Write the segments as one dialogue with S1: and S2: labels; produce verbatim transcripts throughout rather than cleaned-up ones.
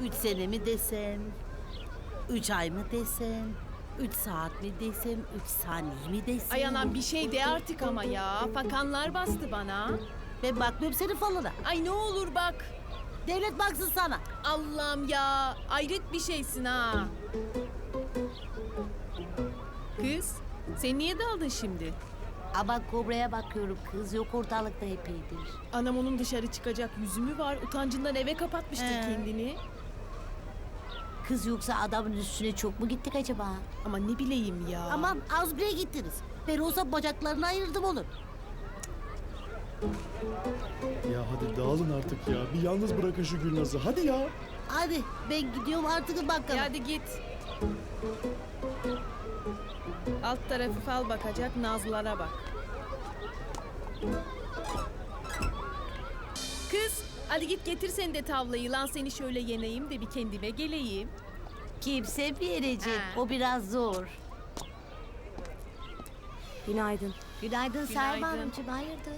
S1: Üç sene mi desem? Üç ay mı desem? Üç saat mi desem? Üç saniye mi desem?
S2: Ay anam bir şey de artık ama ya. Fakanlar bastı bana.
S1: Ben bakmıyorum senin falına.
S2: Ay ne olur bak.
S1: Devlet baksın sana.
S2: Allah'ım ya. Ayrıt bir şeysin ha. Kız, sen niye daldın şimdi?
S3: Ama Kobra'ya bakıyorum kız yok ortalıkta epeydir.
S2: Anam onun dışarı çıkacak yüzü mü var? Utancından eve kapatmıştır
S1: He.
S2: kendini.
S3: Kız yoksa adamın üstüne çok mu gittik acaba?
S2: Ama ne bileyim ya.
S1: Aman az bile gittiniz. Ben olsa bacaklarını ayırdım onun.
S4: Ya hadi dağılın artık ya. Bir yalnız bırakın şu Gülnaz'ı. Hadi ya.
S1: Hadi ben gidiyorum artık bakalım.
S2: E hadi git. Alt tarafı fal bakacak, nazlara bak. Kız, hadi git getir sen de tavlayı. Lan seni şöyle yeneyim de bir kendime geleyim.
S3: Kimse verecek.
S2: Ha.
S3: O biraz zor.
S5: Günaydın.
S3: Günaydın Selma
S2: Günaydın.
S3: Hanımcığım. Hayırdır?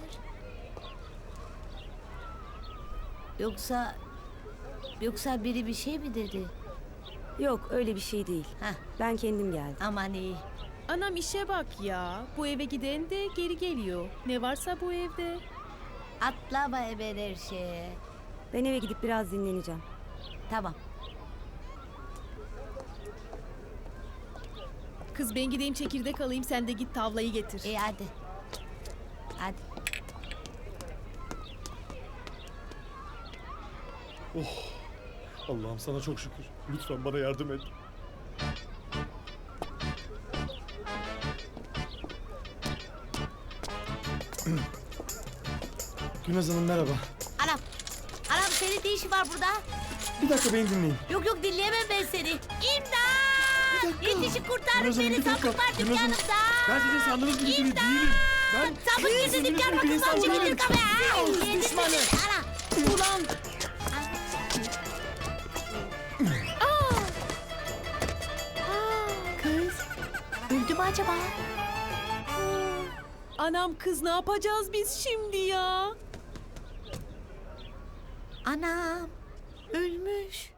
S3: Yoksa... Yoksa biri bir şey mi dedi?
S5: Yok öyle bir şey değil.
S3: Heh,
S5: Ben kendim geldim.
S3: aman iyi.
S2: Anam işe bak ya. Bu eve giden de geri geliyor. Ne varsa bu evde.
S3: Atlama hemen her şeye.
S5: Ben eve gidip biraz dinleneceğim.
S3: Tamam.
S2: Kız ben gideyim çekirdek alayım, sen de git tavlayı getir.
S3: İyi hadi. Hadi.
S4: Allah'ım sana çok şükür. Lütfen bana yardım et. Gülnaz Hanım merhaba.
S3: Anam. Anam senin ne işin var burada?
S4: Bir dakika beni dinleyin.
S3: Yok yok dinleyemem ben seni. İmdat!
S4: Bir dakika.
S3: Yetişin kurtarın
S4: Gülnaz Hanım,
S3: beni.
S4: bir dakika.
S3: Sapık var
S4: Gülnaz Hanım,
S3: dükkanımda.
S4: Ben sizin sandığınız gibi biri
S3: İmdat!
S4: değilim. Ben
S3: Sapık girdi
S4: sizin
S3: dükkan
S4: gibi bir insan
S3: kapısından çekilir
S4: değilim.
S3: kafaya.
S2: Kız
S3: Yetişin.
S2: düşmanı.
S3: Ana.
S2: Ulan!
S3: Kız. Öldü mü acaba?
S2: Anam kız ne yapacağız biz şimdi ya?
S3: Anam. Ölmüş.